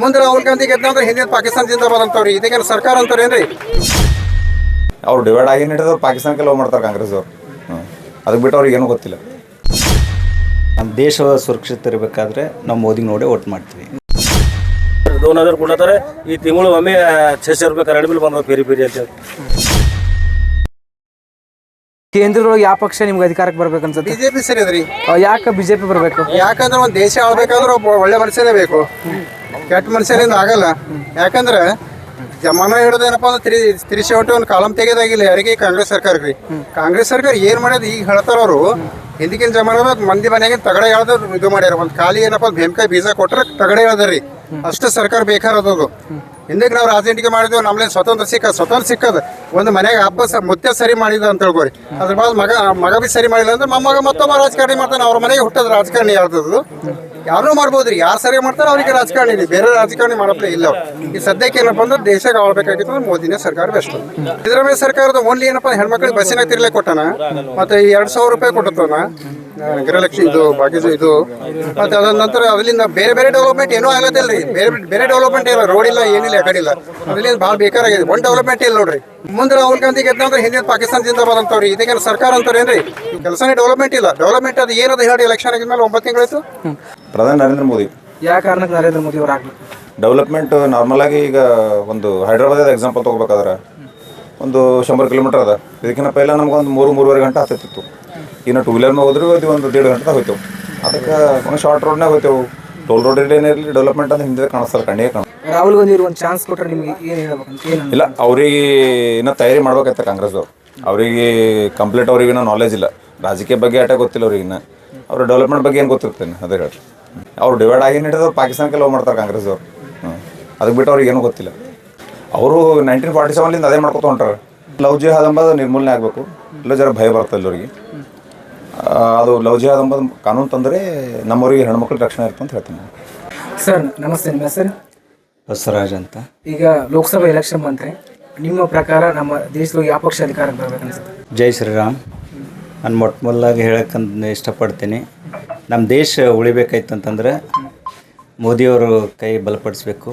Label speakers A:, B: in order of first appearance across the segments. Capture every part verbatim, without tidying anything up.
A: ಮುಂದೆ ರಾಹುಲ್ ಗಾಂಧಿ ಗೆದ್ದಂದ್ರೆ ಹಿಂದಿನ ಪಾಕಿಸ್ತಾನ ಜಿಂದಾಬಾದ್ ಅಂತವ್ರಿ, ಇದಕ್ಕೇನು ಸರ್ಕಾರ ಅಂತಾರೇನ್ರಿ?
B: ಅವ್ರು ಡಿವೈಡ್ ಆಗಿ ಹಿಡಿದು ಪಾಕಿಸ್ತಾನಕ್ಕೆ ಲವ್ ಮಾಡ್ತಾರೆ ಕಾಂಗ್ರೆಸ್ ಅವರು. ಅದಕ್ಕೆ ಬಿಟ್ಟು ಅವ್ರಿಗೆ ಏನೂ ಗೊತ್ತಿಲ್ಲ.
C: ನಮ್ಮ ದೇಶ ಸುರಕ್ಷಿತ ಇರಬೇಕಾದ್ರೆ ನಾವು ಮೋದಿ ನೋಡಿ ವೋಟ್ ಮಾಡ್ತೀವಿ.
D: दोन हजार ಕೊಡ್ತಾರೆ ಈ ತಿಂಗಳು ಒಮ್ಮೆ छह रुपये ಕರೆಂಟ್ ಬಿಲ್ ಬಂದ ಪೇರಿ ಪೇರಿ ಅಂತ.
E: ಕೇಂದ್ರದೊಳಗೆ ಯಾವ ಪಕ್ಷ ನಿಮ್ಗೆ ಅಧಿಕಾರಕ್ಕೆ ಬರ್ಬೇಕು ಅನ್ಸುತ್ತೆ?
A: ಬಿಜೆಪಿ ಸರಿ ಅದ್ರಿ.
E: ಯಾಕೆ ಬಿಜೆಪಿ ಬರಬೇಕು?
A: ಯಾಕಂದ್ರೆ ಒಂದು ದೇಶ ಆಳ್ಬೇಕಾದ್ರೆ ಒಬ್ಬ ಒಳ್ಳೆ ಮನುಷ್ಯನೇ ಬೇಕು, ಕೆಟ್ಟ ಮನುಷ್ಯರಿಂದ ಆಗಲ್ಲ. ಯಾಕಂದ್ರೆ ಜಮಾನ ಹಿಡಿದೇನಪ್ಪ ಅಂದ್ರೆ ತಿರಿ ತಿರಿಸಿ ಹೊಟ್ಟು ಒಂದು ಕಾಲಂ ತೆಗೆದಾಗಿಲ್ಲ ಯಾರಿಗೆ, ಕಾಂಗ್ರೆಸ್ ಸರ್ಕಾರಕ್ಕೆ ರೀ. ಕಾಂಗ್ರೆಸ್ ಸರ್ಕಾರ ಏನು ಮಾಡೋದು ಈಗ ಹೇಳ್ತಾರ ಅವರು, ಹಿಂದಿನ ಜಮಾನದಾಗ ಮಂದಿ ಮನೆಗೆ ತಗಡೆ ಹೇಳ್ದು ಇದು ಮಾಡ್ಯಾರ. ಒಂದು ಖಾಲಿ ಏನಪ್ಪ ಭೀಮಕಾಯಿ ಬೀಜ ಕೊಟ್ರೆ ತಗಡೆ ಹೇಳ್ದಾರ್ರಿ, ಅಷ್ಟು ಸರ್ಕಾರ ಬೇಕಾರದದು. ಹಿಂದಕ್ಕೆ ನಾವು ರಾಜನೀತಿಗೆ ಮಾಡಿದ್ವಿ, ನಮ್ಮಲ್ಲಿ ಸ್ವತಂತ್ರ ಸಿಕ್ಕ ಸ್ವತಂತ್ರ ಸಿಕ್ಕದ ಒಂದು ಮನೆಗೆ ಹಬ್ಬ ಸ ಮುತ್ತೆ ಸರಿ ಮಾಡಿದ ಅಂತ ಹೇಳ್ಕೊರಿ. ಅದ್ರ ಬಾದ್ ಮಗ ಮಗ ಬಿ ಸರಿ ಮಾಡಿಲ್ಲ ಅಂದ್ರೆ ಮೊಮ್ಮಗ ಮತ್ತೊಬ್ಬ ರಾಜಕಾರಣಿ ಮಾಡ್ತಾನೆ. ಅವ್ರ ಮನೆಗೆ ಹುಟ್ಟದ ರಾಜಕಾರಣಿ ಯಾರ್ದದು ಯಾರು ಮಾಡ್ಬೋದ್ರಿ, ಯಾರು ಸರಿ ಮಾಡ್ತಾರೆ ಅವ್ರಿಗೆ ರಾಜಕಾರಣಿ ರೀ, ಬೇರೆ ರಾಜಕಾರಣಿ ಮಾಡಪ್ಲೇ ಇಲ್ಲ. ಈ ಸದ್ಯಕ್ಕೆ ಏನಪ್ಪ ಅಂದ್ರೆ ದೇಶಕ್ಕೆ ಆಳ್ಬೇಕಾಗಿತ್ತು ಅಂದ್ರೆ ಮೋದಿನೇ ಸರ್ಕಾರ ಬೆಸ್ಟ್. ಸಿದ್ದರಾಮಯ್ಯ ಸರ್ಕಾರದ ಓನ್ಲಿ ಏನಪ್ಪ ಹೆಣ್ಮಕ್ಳಿಗೆ ಬಸ್ಸಿನಾಗ ತಿರ್ಲೆ ಕೊಟ್ಟಾನ, ಮತ್ತೆ ಎರಡು ಸಾವಿರ ರೂಪಾಯಿ ಕೊಟ್ಟತಾನ ಗೃಹಲಕ್ಷ್ಮಿ ಇದು ಬಾಕಿ ಇದು. ಮತ್ತೆ ಅದ ನಂತರ ಅದರಿಂದ ಬೇರೆ ಬೇರೆ ಡೆವಲಪ್ಮೆಂಟ್ ಏನೂ ಆಗತ್ತಿಲ್ಲ ರೀ. ಬೇರೆ ಬೇರೆ ಡೆವಲಪ್ಮೆಂಟ್ ಇಲ್ಲ, ರೋಡ್ ಇಲ್ಲ, ಏನಿಲ್ಲ, ಆ ಕಡೆ ಇಲ್ಲ. ಅದರಿಂದ ಭಾಳ ಬೇಕಾರಾಗಿದೆ, ಒಂದು ಡೆವಲಪ್ಮೆಂಟ್ ಇಲ್ಲ ನೋಡ್ರಿ. ಮುಂದೆ ರಾಹುಲ್ ಗಾಂಧಿ ಗೆದ್ದಂದ್ರೆ ಹಿಂದಿನ ಪಾಕಿಸ್ತಾನ ಜಿಂದಾಬಾದ್ ಅಂತವ್ರಿ, ಇದಕ್ಕೇನು ಸರ್ಕಾರ ಅಂತಾರೇನ್ರಿ? ಕೆಲಸನೇ ಡೆವಲಪ್ಮೆಂಟ್ ಇಲ್ಲ. ಡೆವಲಪ್ಮೆಂಟ್ ಅದು ಏನದು ಹೇಳಿ, ಎಲೆಕ್ಷನ್ ಆಗಿದ್ಮೇಲೆ ಒಂಬತ್ತು ತಿಂಗಳಾಯ್ತು.
B: ಪ್ರಧಾನಿ ನರೇಂದ್ರ ಮೋದಿ.
E: ಯಾವ ಕಾರಣಕ್ಕೆ ನರೇಂದ್ರ ಮೋದಿ ಅವ್ರು ಆಗ್ಬೇಕು?
B: ಡೆವಲಪ್ಮೆಂಟ್ ನಾರ್ಮಲ್ ಆಗಿ ಈಗ ಒಂದು ಹೈದ್ರಾಬಾದ್ ಎಕ್ಸಾಂಪಲ್ ತೊಗೋಬೇಕಾದ್ರೆ ಒಂದು ಶಂಬರ್ ಕಿಲೋಮೀಟರ್ ಅದ. ಇದಕ್ಕಿಂತ ಪೈಲ ನಮ್ಗೆ ಒಂದು ಮೂರು ಮೂರುವರೆ ಗಂಟೆ ಆಗ್ತಿತ್ತು. ಇನ್ನು ಟೂ ವೀಲರ್ ಮೇಲೆ ಹೋದ್ರೆ ಅದು ಒಂದು ದೇಡ್ ಗಂಟೆ ಹೋಯ್ತೇವೆ. ಅದಕ್ಕೆ ಒಂದು ಶಾರ್ಟ್ ರೋಡ್ನಾಗ ಹೋಯ್ತೇವೆ. ಟೋಲ್ ರೋಡ್ ಏನಿರಲಿ ಡೆವಲಪ್ಮೆಂಟ್ ಅಂತ ಹಿಂದೆ ಕಾಣಿಸ್ತಲ್ಲ, ಕಣ್ಣಿಗೆ ಕಾಣ.
E: ರಾಹುಲ್ ಗಾಂಧಿ ಒಂದು ಚಾನ್ಸ್ ಕೊಟ್ಟರೆ ನಿಮಗೆ ಏನು ಹೇಳ್ಬೇಕಂತ? ಏನು
B: ಇಲ್ಲ, ಅವ್ರಿಗೆ ಇನ್ನೂ ತಯಾರಿ ಮಾಡ್ಬೇಕಾಯ್ತ ಕಾಂಗ್ರೆಸ್ದವ್ರು. ಅವರಿಗೆ ಕಂಪ್ಲೀಟ್ ಅವ್ರಿಗೆ ಇನ್ನೂ ನಾಲೆಜ್ ಇಲ್ಲ, ರಾಜಕೀಯ ಬಗ್ಗೆ ಆಟ ಗೊತ್ತಿಲ್ಲ ಅವ್ರಿಗೆ. ಇನ್ನು ಅವ್ರ ಡೆವಲಪ್ಮೆಂಟ್ ಬಗ್ಗೆ ಏನು ಗೊತ್ತಿರ್ತೇನೆ ಅದೇ ಹೇಳಿ. ಅವ್ರು ಡಿವೈಡ್ ಆಗಿ ಹಿಡಿದು ಪಾಕಿಸ್ತಾನಕ್ಕೆ ಲವ್ ಮಾಡ್ತಾರೆ ಕಾಂಗ್ರೆಸ್ದವ್ರು. ಹ್ಞೂ ಅದಕ್ಕೆ ಬಿಟ್ಟು ಅವ್ರಿಗೆ ಏನೂ ಗೊತ್ತಿಲ್ಲ. ಅವರು ನೈನ್ಟೀನ್ ಫಾರ್ಟಿ ಸೆವೆನ್ಲಿಂದ ಅದೇ ಮಾಡ್ಕೊತ ಹೊಂಟಾರೆ. ಲವ್ ಜಿಹಾದ್ ಅಂಬದು ನಿರ್ಮೂಲನೆ ಆಗಬೇಕು. ಇಲ್ಲ ಜರ ಭಯ ಬರ್ತದೆ ಎಲ್ಲರಿಗೆ. ಅದು ಲವ್ ಜಿಹಾದ್ ಅಂಬದು ಕಾನೂನು ತಂದರೆ ನಮ್ಮವರಿಗೆ ಹೆಣ್ಮಕ್ಳಿಗೆ ರಕ್ಷಣೆ ಇರುತ್ತೆ ಅಂತ ಹೇಳ್ತೀನಿ.
E: ಸರ್ ನಮಸ್ತೆ, ನಿಮ್ಮ ಹೆಸರು?
C: ಬಸವರಾಜ್ ಅಂತ.
E: ಈಗ ಲೋಕಸಭಾ ಎಲೆಕ್ಷನ್ ಬಂದರೆ ನಿಮ್ಮ ಪ್ರಕಾರ ನಮ್ಮ ದೇಶದಲ್ಲಿ ಯಾವ ಪಕ್ಷ ಅಧಿಕಾರಕ್ಕೆ ಬರ್ಬೇಕು ಅನ್ಸುತ್ತೆ?
C: ಜೈ ಶ್ರೀರಾಮ್. ನಾನು ಮೊಟ್ಟ ಮೊದಲಾಗಿ ಹೇಳೋಕ್ಕಂತ ಇಷ್ಟಪಡ್ತೀನಿ, ನಮ್ಮ ದೇಶ ಉಳಿಬೇಕಾಯ್ತಂತಂದ್ರೆ ಮೋದಿಯವರು ಕೈ ಬಲಪಡಿಸ್ಬೇಕು.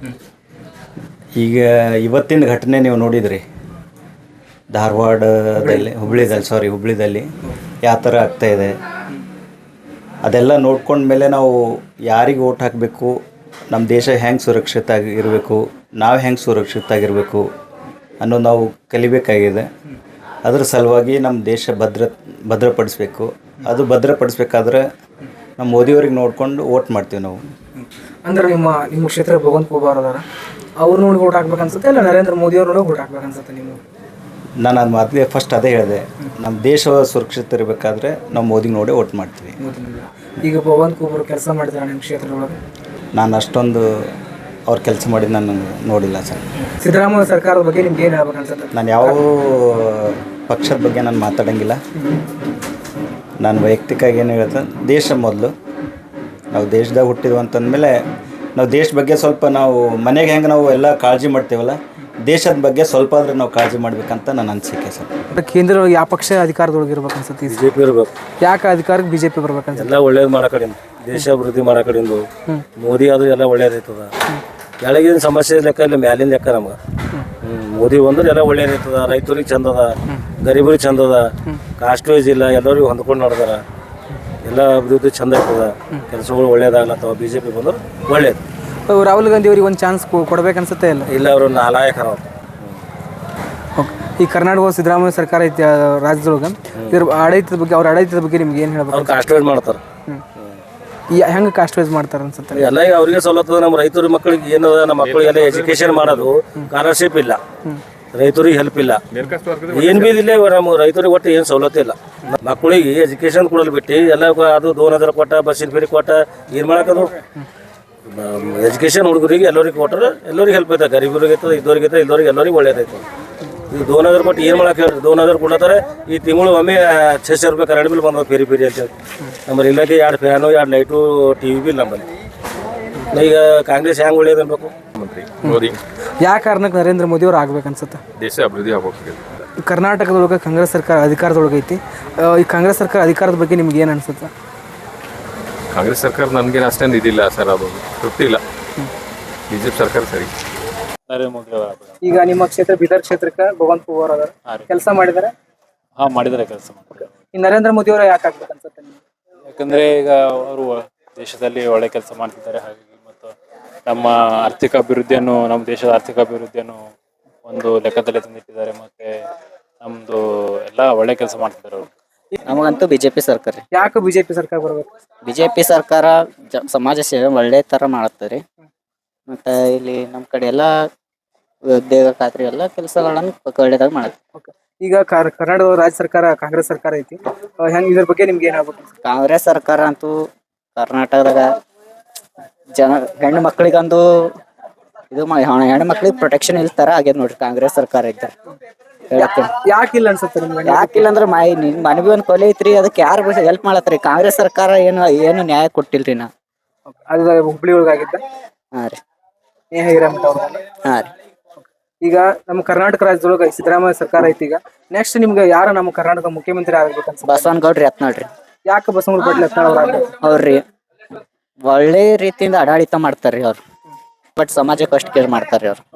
C: ಈಗ ಇವತ್ತಿನ ಘಟನೆ ನೀವು ನೋಡಿದ್ರಿ, ಧಾರವಾಡದಲ್ಲಿ ಹುಬ್ಳಿದಲ್ಲಿ ಸಾರಿ ಹುಬ್ಳಿದಲ್ಲಿ ಯಾವ ಥರ ಆಗ್ತಾಯಿದೆ. ಅದೆಲ್ಲ ನೋಡ್ಕೊಂಡ್ಮೇಲೆ ನಾವು ಯಾರಿಗೆ ಓಟ್ ಹಾಕಬೇಕು, ನಮ್ಮ ದೇಶ ಹೆಂಗೆ ಸುರಕ್ಷಿತ ಆಗಿ ಇರಬೇಕು, ನಾವು ಹೆಂಗೆ ಸುರಕ್ಷಿತ ಆಗಿರಬೇಕು ಅನ್ನೋ ನಾವು ಕಲಿಬೇಕಾಗಿದೆ. ಅದರ ಸಲುವಾಗಿ ನಮ್ಮ ದೇಶ ಭದ್ರ ಭದ್ರಪಡಿಸ್ಬೇಕು. ಅದು ಭದ್ರಪಡಿಸ್ಬೇಕಾದ್ರೆ ನಮ್ಮ ಮೋದಿಯವ್ರಿಗೆ ನೋಡ್ಕೊಂಡು ಓಟ್ ಮಾಡ್ತೀವಿ ನಾವು.
E: ಅಂದ್ರೆ ನಿಮ್ಮ ನಿಮ್ಮ ಕ್ಷೇತ್ರ ಭಗವಂತ ಖೂಬಾರ್ ಅದಾರ, ಅವ್ರು ನೋಡಿ ಓಟ್ ಹಾಕ್ಬೇಕು ಅನ್ಸುತ್ತೆ, ಇಲ್ಲ ನರೇಂದ್ರ ಮೋದಿ ಅವ್ರು ನೋಡಿ ಓಟ್ ಹಾಕ್ಬೇಕು ಅನ್ಸುತ್ತೆ ನೀವು?
C: ನಾನು ಅದು ಮೊದಲೇ ಫಸ್ಟ್ ಅದೇ ಹೇಳಿದೆ, ನಮ್ಮ ದೇಶ ಸುರಕ್ಷಿತ ಇರಬೇಕಾದ್ರೆ ನಾವು ಮೋದಿ ನೋಡಿ ಓಟ್ ಮಾಡ್ತೀವಿ.
E: ಈಗ ಭಗವಂತ ಖೂಬಾರ್ ಕೆಲಸ ಮಾಡಿದ್ದಾರೆ ನಿಮ್ಮ ಕ್ಷೇತ್ರದೊಳಗೆ?
C: ನಾನು ಅಷ್ಟೊಂದು ಅವ್ರು ಕೆಲಸ ಮಾಡಿ ನಾನು ನೋಡಿಲ್ಲ ಸರ್.
E: ಸಿದ್ದರಾಮಯ್ಯ ಸರ್ಕಾರದ ಬಗ್ಗೆ ನಿಮ್ಗೆ ಏನು ಹೇಳ್ಬೇಕು ಅನ್ಸುತ್ತೆ?
C: ನಾನು ಯಾವ ಪಕ್ಷದ ಬಗ್ಗೆ ನಾನು ಮಾತಾಡೋಂಗಿಲ್ಲ. ನಾನು ವೈಯಕ್ತಿಕವಾಗಿ ಏನು ಹೇಳ್ತೇನೆ, ದೇಶ ಮೊದಲು. ನಾವು ದೇಶದಾಗ ಹುಟ್ಟಿದ್ವು ಅಂತಂದಮೇಲೆ ನಾವು ದೇಶ ಬಗ್ಗೆ ಸ್ವಲ್ಪ ನಾವು ಮನೆಗೆ ಹೆಂಗೆ ನಾವು ಎಲ್ಲ ಕಾಳಜಿ ಮಾಡ್ತೇವಲ್ಲ, ದೇಶದ ಬಗ್ಗೆ ಸ್ವಲ್ಪ ಆದ್ರೆ ನಾವು ಕಾಳಜಿ ಮಾಡ್ಬೇಕಂತ ನನ್ನ ಅನಿಸಿಕೆ ಸರ್.
E: ಕೇಂದ್ರದೊಳಗೆ ಯಾವ ಪಕ್ಷ ಅಧಿಕಾರದೊಳಗೆ ಇರ್ಬೇಕು ಅನ್ಸುತ್ತೆ?
D: ಬಿ ಜೆ ಪಿ ಇರ್ಬೇಕು.
E: ಯಾಕೆ ಅಧಿಕಾರಕ್ಕೆ ಬಿ ಜೆ ಪಿ ಬರ್ಬೇಕು ಅನ್ಸುತ್ತೆ?
D: ಎಲ್ಲ ಒಳ್ಳೇದು ಮಾಡೋ ಕಡೆಯಿಂದ, ದೇಶ ಅಭಿವೃದ್ಧಿ ಮಾಡೋ ಕಡೆಯಿಂದ ಮೋದಿ ಆದ್ರೂ ಎಲ್ಲ ಒಳ್ಳೇದಾಯ್ತದ. ಕೆಳಗಿನ ಸಮಸ್ಯೆ ಲೆಕ್ಕ ಇಲ್ಲ, ಮ್ಯಾಲಿನ ಲೆಕ್ಕ ನಮ್ಗೆ. ಹ್ಞೂ ಮೋದಿ ಬಂದ್ರೆ ಎಲ್ಲ ಒಳ್ಳೇದಾಯ್ತದ. ರೈತರಿಗೆ ಚಂದ ಅದ, ಗರೀಬರಿಗೆ ಚಂದ ಅದ, ಕಾಸ್ಟ್ ವೈಸ್ ಇಲ್ಲ, ಎಲ್ಲರಿಗೂ ಹೊಂದ್ಕೊಂಡು ನಡೆದಾರ. ಎಲ್ಲ ಅಭಿವೃದ್ಧಿ ಚಂದ ಆಗ್ತದ, ಕೆಲಸಗಳು ಒಳ್ಳೇದಾಗ್ಲತ್ತವ. ಬಿ ಜೆ ಪಿ ಬಂದ್ರೆ ಒಳ್ಳೇದು.
E: ರಾಹುಲ್ ಗಾಂಧಿ ಅವ್ರಿಗೆ ಒಂದು ಚಾನ್ಸ್ ಕೊಡ್ಬೇಕು ಅನ್ಸುತ್ತೆ ಇಲ್ಲ?
D: ಇಲ್ಲ, ಅವರು ನಾಲಾಯಕರ.
E: ಈ ಕರ್ನಾಟಕ ಸಿದ್ದರಾಮಯ್ಯ ಸರ್ಕಾರ ಐತಿ ರಾಜ್ಯದೊಳಗೆ, ಇದ್ರ ಆಡಳಿತದ ಬಗ್ಗೆ, ಅವ್ರ ಆಡಳಿತದ ಬಗ್ಗೆ ನಿಮ್ಗೆ ಏನು ಹೇಳ್ಬೇಕು?
D: ಅವ್ರು ಕಾಸ್ಟ್ ವೈಸ್ ಮಾಡ್ತಾರೆ.
E: ಹೆಂಗೆ ಕಾಸ್ಟ್ ವೈಸ್ ಮಾಡ್ತಾರೆ ಅನ್ಸುತ್ತೆ?
D: ಎಲ್ಲ ಈಗ ಅವ್ರಿಗೆ ಸವಲತ್ತು. ನಮ್ಮ ರೈತರ ಮಕ್ಕಳಿಗೆ ಏನದ, ನಮ್ಮ ಮಕ್ಕಳಿಗೆಲ್ಲ ಎಜುಕೇಶನ್ ಮಾಡೋದು, ಸ್ಕಾಲರ್ಶಿಪ್ ಇಲ್ಲ, ರೈತರಿಗೆ ಹೆಲ್ಪ್ ಇಲ್ಲ, ಏನು ಬಿ ಇಲ್ಲ. ನಮ್ಮ ರೈತರಿಗೆ ಒಟ್ಟು ಏನು ಸವಲತ್ತು ಇಲ್ಲ. ಮಕ್ಕಳಿಗೆ ಎಜುಕೇಶನ್ ಕೊಡಲು ಬಿಟ್ಟು ಎಲ್ಲ ಅದು ದೋನ್ ಹಜಾರ್ ಕೊಟ್ಟ, ಬಸ್ಸಿನ ಫೀರಿ ಕೊಟ್ಟ, ಏನು ಮಾಡೋಕ್ಕದು? ಎಜುಕೇಶನ್ ಹುಡುಗರಿಗೆ ಎಲ್ಲರಿಗೆ ಕೊಟ್ಟರೆ ಎಲ್ಲರಿಗೆ ಹೆಲ್ಪ್ ಐತೆ. ಗರೀಬರಿಗೆ ಐತದ, ಇದ್ದವ್ರಿಗೆ ಐತೆ, ಇದ್ದವ್ರಿಗೆ ಎಲ್ಲರಿಗೆ ಒಳ್ಳೇದೈತೆ. ಇದು ದೋನ್ ಹಜಾರ್ ಕೊಟ್ಟು ಏನು ಮಾಡಕ್ಕೆ ಹೇಳಿ? ದೋನ್ ಹಜಾರ್ ಕೊಡ್ತಾರೆ ಈ ತಿಂಗಳು ಒಮ್ಮೆ छह रुपये ಕರೆಂಟ್ ಬಿಲ್ ಬಂದ ಪೇರಿ ಪೇರಿ ಅಂತೇಳಿ. ನಮ್ಮಲ್ಲಿ ಇಲ್ಲಕ್ಕೆ ಎರಡು ಫ್ಯಾನು, ಎರಡು ಲೈಟು, ಟಿ ವಿ ಬಿಲ್ ನಮ್ಮಲ್ಲಿ. ಈಗ ಕಾಂಗ್ರೆಸ್ ಹೆಂಗೆ ಒಳ್ಳೇದು ಅನ್ಬೇಕು?
F: ಮೋದಿ.
E: ಯಾವ ಕಾರಣಕ್ಕೆ ನರೇಂದ್ರ ಮೋದಿ ಅವ್ರು ಆಗ್ಬೇಕು ಅನ್ಸುತ್ತೆ?
F: ದೇಶ ಅಭಿವೃದ್ಧಿ ಆಗ್ಬೇಕು.
E: ಕರ್ನಾಟಕದೊಳಗೆ ಕಾಂಗ್ರೆಸ್ ಸರ್ಕಾರ ಅಧಿಕಾರದೊಳಗೆ ಐತಿ. ಈ ಕಾಂಗ್ರೆಸ್ ಸರ್ಕಾರ ಅಧಿಕಾರದ ಬಗ್ಗೆ ನಿಮ್ಗೆ ಏನು ಅನ್ಸುತ್ತೆ?
F: ಕಾಂಗ್ರೆಸ್ ಸರ್ಕಾರ ನನಗೇನು ಅಷ್ಟೊಂದು ಇದಿಲ್ಲ ಸರ್, ಅದು ತೃಪ್ತಿ ಇಲ್ಲ. ಬಿಜೆಪಿ ಸರ್ಕಾರ ಸರಿ.
G: ನರೇಂದ್ರ ಮೋದಿ ಅವರ
E: ಈಗ ನಿಮ್ಮ ಕ್ಷೇತ್ರ ಬೀದರ್ ಕ್ಷೇತ್ರಕ್ಕೆ ಭಗವಂತ ಖೂಬಾರ್ ಅದಾರ ಕೆಲಸ ಮಾಡಿದಾರೆ.
G: ಹಾಂ ಮಾಡಿದ್ದಾರೆ ಕೆಲಸ ಮಾಡಿದ್ದಾರೆ.
E: ಈ ನರೇಂದ್ರ ಮೋದಿ ಅವರು ಯಾಕೆ ಆಗ್ಬೇಕು ಅನ್ಸುತ್ತೆ ನಿಮ್ಗೆ?
G: ಯಾಕಂದರೆ ಈಗ ಅವರು ದೇಶದಲ್ಲಿ ಒಳ್ಳೆ ಕೆಲಸ ಮಾಡ್ತಿದ್ದಾರೆ. ಹಾಗಾಗಿ ಮತ್ತು ನಮ್ಮ ಆರ್ಥಿಕ ಅಭಿವೃದ್ಧಿಯನ್ನು ನಮ್ಮ ದೇಶದ ಆರ್ಥಿಕ ಅಭಿವೃದ್ಧಿಯನ್ನು ಒಂದು ಲೆಕ್ಕದಲ್ಲಿ ತಂದಿಟ್ಟಿದ್ದಾರೆ. ಮತ್ತು ನಮ್ಮದು ಎಲ್ಲ ಒಳ್ಳೆ ಕೆಲಸ ಮಾಡ್ತಿದ್ದಾರೆ ಅವರು.
H: ನಮಗಂತೂ ಬಿಜೆಪಿ ಸರ್ಕಾರ ರೀ.
E: ಯಾಕೆ ಬಿಜೆಪಿ ಸರ್ಕಾರ ಬರ್ಬೇಕು?
H: ಬಿಜೆಪಿ ಸರ್ಕಾರ ಜ ಸಮಾಜ ಸೇವೆ ಒಳ್ಳೆ ಥರ ಮಾಡುತ್ತೆ ಮತ್ತು ಇಲ್ಲಿ ನಮ್ಮ ಕಡೆ ಎಲ್ಲ ಉದ್ಯೋಗ ಖಾತ್ರಿ ಎಲ್ಲ ಕೆಲಸಗಳನ್ನು ಒಳ್ಳೆದಾಗಿ ಮಾಡುತ್ತೆ.
E: ಈಗ ಕರ್- ಕರ್ನಾಟಕ ರಾಜ್ಯ ಸರ್ಕಾರ ಕಾಂಗ್ರೆಸ್ ಸರ್ಕಾರ ಐತಿ. ಅಹ್ ಹೆಂಗ್ ಇದ್ರ ಬಗ್ಗೆ ನಿಮ್ಗೆ ಏನಾಗ್ಬೇಕು?
H: ಕಾಂಗ್ರೆಸ್ ಸರ್ಕಾರ ಅಂತೂ ಕರ್ನಾಟಕದಾಗ ಜನ ಹೆಣ್ಣು ಮಕ್ಕಳಿಗಂದು ಇದು ಮಾ ಹೆಣ್ಣು ಮಕ್ಳಿಗೆ ಪ್ರೊಟೆಕ್ಷನ್ ಇಲ್ಲ ಥರ ಆಗ್ಯದ ನೋಡ್ರಿ ಕಾಂಗ್ರೆಸ್ ಸರ್ಕಾರ ಇದ್ದ ಹೇಳಕ್ಕೆ.
E: ಯಾಕಿಲ್ಲ ಅನ್ಸುತ್ತೆ ನಿಮ್ಗೆ?
H: ಯಾಕಿಲ್ಲ ಅಂದ್ರೆ ಮೈ ನಿನ್ ಮನವಿ ಒಂದು ಕೊಲೆ ಐತ್ರಿ, ಅದಕ್ಕೆ ಯಾರು ಹೆಲ್ಪ್ ಮಾಡತ್ರಿ? ಕಾಂಗ್ರೆಸ್ ಸರ್ಕಾರ ಏನು ಏನು ನ್ಯಾಯ ಕೊಟ್ಟಿಲ್ರಿ ನಾ.
E: ಅದು ಹುಬ್ಳಿ ಒಳಗಾಗಿದ್ದ
H: ಹಾಂ ರೀ
E: ನೇಹ ಹಿರೇಮಠ ಅವ್ರು.
H: ಹಾಂ ರೀ
E: ಈಗ ನಮ್ಮ ಕರ್ನಾಟಕ ರಾಜ್ಯದೊಳಗೆ ಸಿದ್ದರಾಮಯ್ಯ ಸರ್ಕಾರ ಐತಿ. ಈಗ ನೆಕ್ಸ್ಟ್ ನಿಮ್ಗೆ ಯಾರು ನಮ್ಮ ಕರ್ನಾಟಕ ಮುಖ್ಯಮಂತ್ರಿ ಆಗ್ಬೇಕು ಅನ್ಸುತ್ತೆ?
H: ಬಸವನಗೌಡ್ರಿ ಯತ್ನಾಳ್ರಿ.
E: ಯಾಕೆ ಬಸವನಗೌಡ ಪಾಟೀಲ್ ಯತ್ನಾಳ್ ಅವ್ರು ಆಗ್ಬೇಕು?
H: ಅವ್ರಿ ಒಳ್ಳೆ ರೀತಿಯಿಂದ ಆಡಳಿತ ಮಾಡ್ತಾರ್ರಿ ಅವ್ರು, ಬಟ್ ಸಮಾಜಕ್ಕೆ ಅಷ್ಟು ಕೇರ್ ಮಾಡ್ತಾರ್ರಿ ಅವ್ರು.